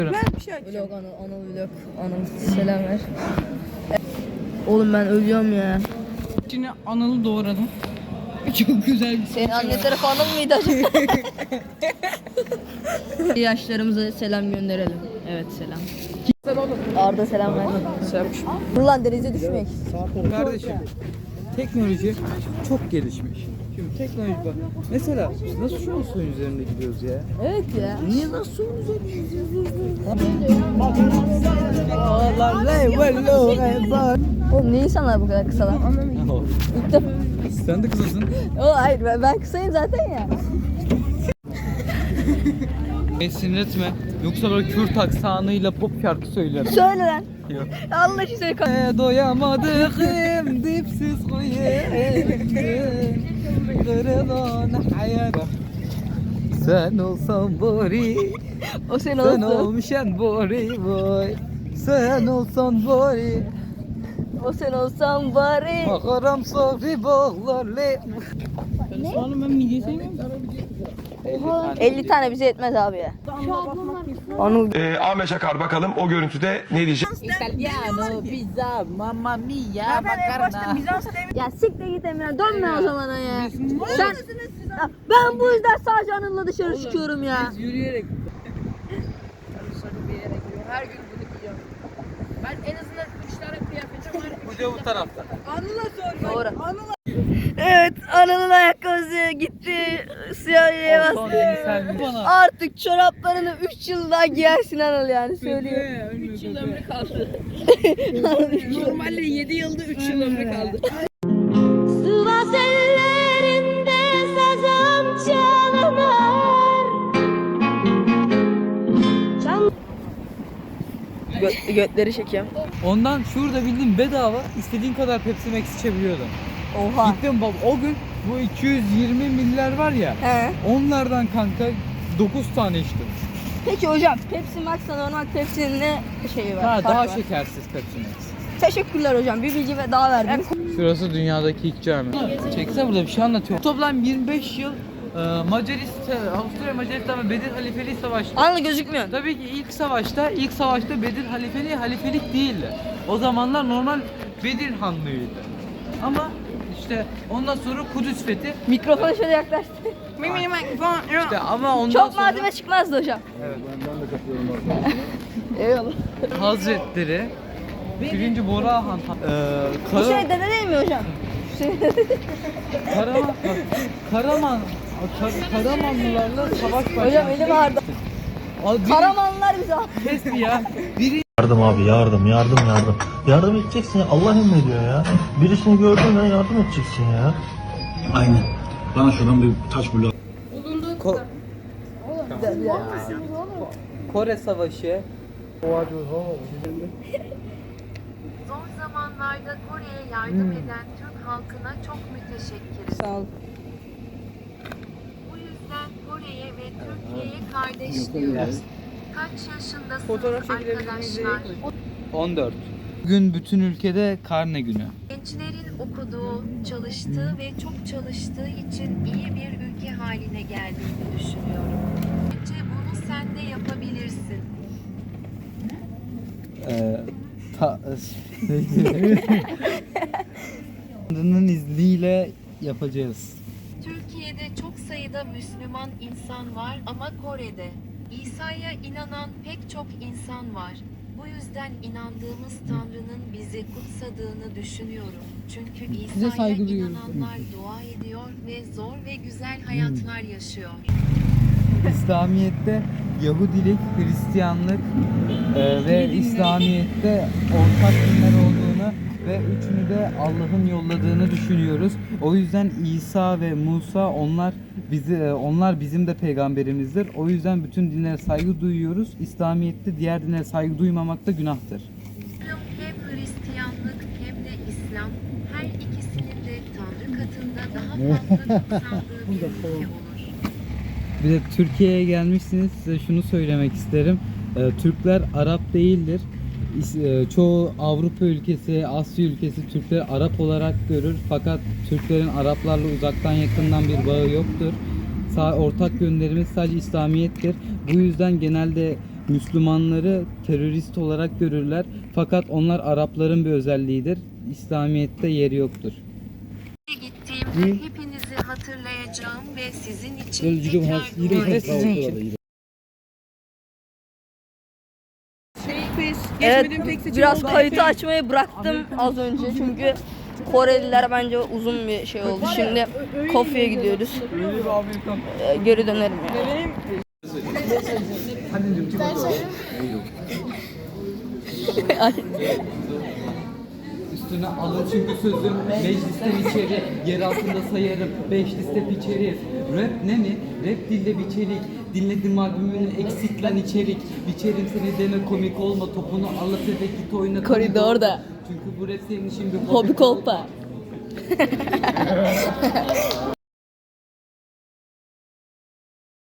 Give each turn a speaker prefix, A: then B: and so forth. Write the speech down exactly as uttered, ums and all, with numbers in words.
A: Ben bir şey açacağım.
B: Vlog Anıl, Anıl vlog. Anıl selam ver. Oğlum ben ölüyorum ya.
A: Şimdi Anıl'ı doğradım. Çok güzel bir
B: Senin anne tarafı Anıl mıydı acaba? Yaşlarımıza selam gönderelim. Evet selam. Arda selam ver. Dur lan denize düşmek.
C: Kardeşim, teknoloji çok gelişmiş. Şimdi teknoloji bak. Mesela biz nasıl şu an suyun üzerinde gidiyoruz ya?
B: Evet ya.
C: Niye nasıl suyun üzerinde gidiyoruz?
B: Oğlum niye insanlar bu kadar kısa lan? İlk defa.
C: Sen de kızasın.
B: Oğlum hayır ben, ben kısayım zaten ya.
C: Beni sinir etme. Yoksa böyle Kürt aksanıyla pop şarkı söylerim.
B: Söyle lan.
C: Yok.
B: Allah için söyle.
C: E, doyamadıkım dipsiz kuyu kırılan hayat. Sen olsan bari,
B: O senin
C: sen
B: olsun.
C: olmuşan bari boy. Sen olsan bari,
B: O sen olsan bari.
C: makaram sofri bağlarlı.
A: Oğlum ben midye sevmiyorum.
B: elli tane bize yetmez abi ya. Anıl.
D: Ee, Ahmet Çakar bakalım o görüntüde ne diyecek?
C: Italiano, pizza, mamma mia, makarna.
B: Ya siktir git Emre dönme o zamana ya. Sen Ya ben bu yüzden sadece Anıl'la dışarı çıkıyorum ya.
A: Yürüyerek.
E: Her gün bunu giyiyorum. Ben en azından üç tane kıyafetim var.
C: Bu da bu tarafta.
A: Anıl'a sor.
B: Doğru.
A: Anıl'a.
B: Evet Anıl'ın ayakkabısı gitti. Siyahıya bastı. Artık çoraplarını üç yıl daha giyersin Anıl yani söyleyeyim.
A: üç yıl ömrü
E: kaldı.
B: Normalde
E: Normalde yedi yılda üç yıl ömrü kaldı.
F: Sivas ellerinde sazım çalınır.
B: Gö- götleri çekiyorum.
C: Ondan şurada bildiğin bedava istediğin kadar Pepsi Max içebiliyordum.
B: Oha.
C: Gittim bab o gün bu iki yüz yirmi miller var ya.
B: He.
C: Onlardan kanka dokuz tane içtim.
B: Peki hocam Pepsi Max'la normal Pepsi'nin ne şeyi var?
C: Ha,
B: farkı
C: daha
B: var?
C: şekersiz Pepsi Max.
B: Teşekkürler hocam. Bir bilgi ve daha verdiniz.
C: Şurası dünyadaki ilk cami. Çekse burada bir şey anlatıyor. Toplam yirmi beş yıl e, Macaristan, Avusturya Macaristan ve Bedir Halifeliği savaştı.
B: Anıl gözükmüyor.
C: Tabii ki ilk savaşta, ilk savaşta Bedir Halifeliği halifelik değildi. O zamanlar normal Bedir Hanlığıydı. Ama işte ondan sonra Kudüs fethi.
B: Mikrofonu şöyle yaklaştı.
A: Mimi mikrofon.
C: İşte ama ondan
B: Çok
C: sonra
B: malzeme çıkmazdı hocam.
C: Evet.
B: Eyvallah.
C: Hazretleri birinci Bora Han eee
B: Bu
C: Kara,
B: şey dede değil mi hocam? Şey...
C: Karaman Karaman Kar, Karamanlılarla savaş başladı.
B: hocam elim ağrıdı.
C: Abi,
B: Karamanlılar bize
C: kes ya. Biri
G: Yardım abi yardım yardım yardım. Yardım edeceksin ya, Allah emrediyor ya. Birisini gördün ya yardım edeceksin ya.
H: Aynen. Bana şuradan bir taş bulu.
C: Ko- Kore Savaşı.
I: Zor zamanlarda Kore'ye yardım eden Türk halkına çok müteşekkiriz.
B: Sağ ol.
I: Bu yüzden Kore'ye ve Türkiye'ye kardeş diyoruz. Kaç yaşındasınız
A: Fotoğraf çekilebilir miyiz?
I: arkadaşlar?
C: on dört. Bugün bütün ülkede karne günü.
I: Gençlerin okuduğu, çalıştığı ve çok çalıştığı için iyi bir ülke haline geldiğini düşünüyorum. Bence bunu sen de yapabilirsin.
C: Ee, ta, Tanrı'nın izniyle yapacağız.
I: Türkiye'de çok sayıda Müslüman insan var ama Kore'de İsa'ya inanan pek çok insan var. Bu yüzden inandığımız Tanrı'nın bizi kutsadığını düşünüyorum. Çünkü İsa'ya
A: saygı duyuyoruz.
I: inananlar dua ediyor ve zor ve güzel hayatlar yaşıyor.
C: İslamiyet'te Yahudilik, Hristiyanlık e, ve İslamiyet'te ortak dinler olduğunu ve üçünü de Allah'ın yolladığını düşünüyoruz. O yüzden İsa ve Musa onlar bizi e, onlar bizim de peygamberimizdir. O yüzden bütün dinlere saygı duyuyoruz. İslamiyet'te diğer dinlere saygı duymamak da günahtır.
I: Hem Hristiyanlık hem de İslam her ikisinin de Tanrı katında daha fazla kutsandığı bir ülke olur.
C: Bir de Türkiye'ye gelmişsiniz, size şunu söylemek isterim. Ee, Türkler Arap değildir. İs- e, Çoğu Avrupa ülkesi, Asya ülkesi Türkleri Arap olarak görür. Fakat Türklerin Araplarla uzaktan yakından bir bağı yoktur. Sa- ortak yönlerimiz sadece İslamiyettir. Bu yüzden genelde Müslümanları terörist olarak görürler. Fakat onlar Arapların bir özelliğidir. İslamiyet'te yeri yoktur.
I: Gittiğimde hepinizi hatırlayacağım ve sizin için tekrar dua
A: Ve sizin için.
B: Evet, biraz kayıtı açmayı bıraktım az önce çünkü Koreliler bence uzun bir şey oldu. Şimdi Kofya'ya gidiyoruz. Ee, geri dönerim yani.
C: Üstüne alın çünkü sözüm meclisten içeri, yer altında sayarım, beş liste biçeriz. Rap ne mi? Rap dilde biçerik. Dinledim albümünü eksik lan içerik. Biçerim seni deme komik olma, topunu alıp eve git oyna.
B: Koridorda.
C: Çünkü bu rap senin için bir
B: Hobi kolpa.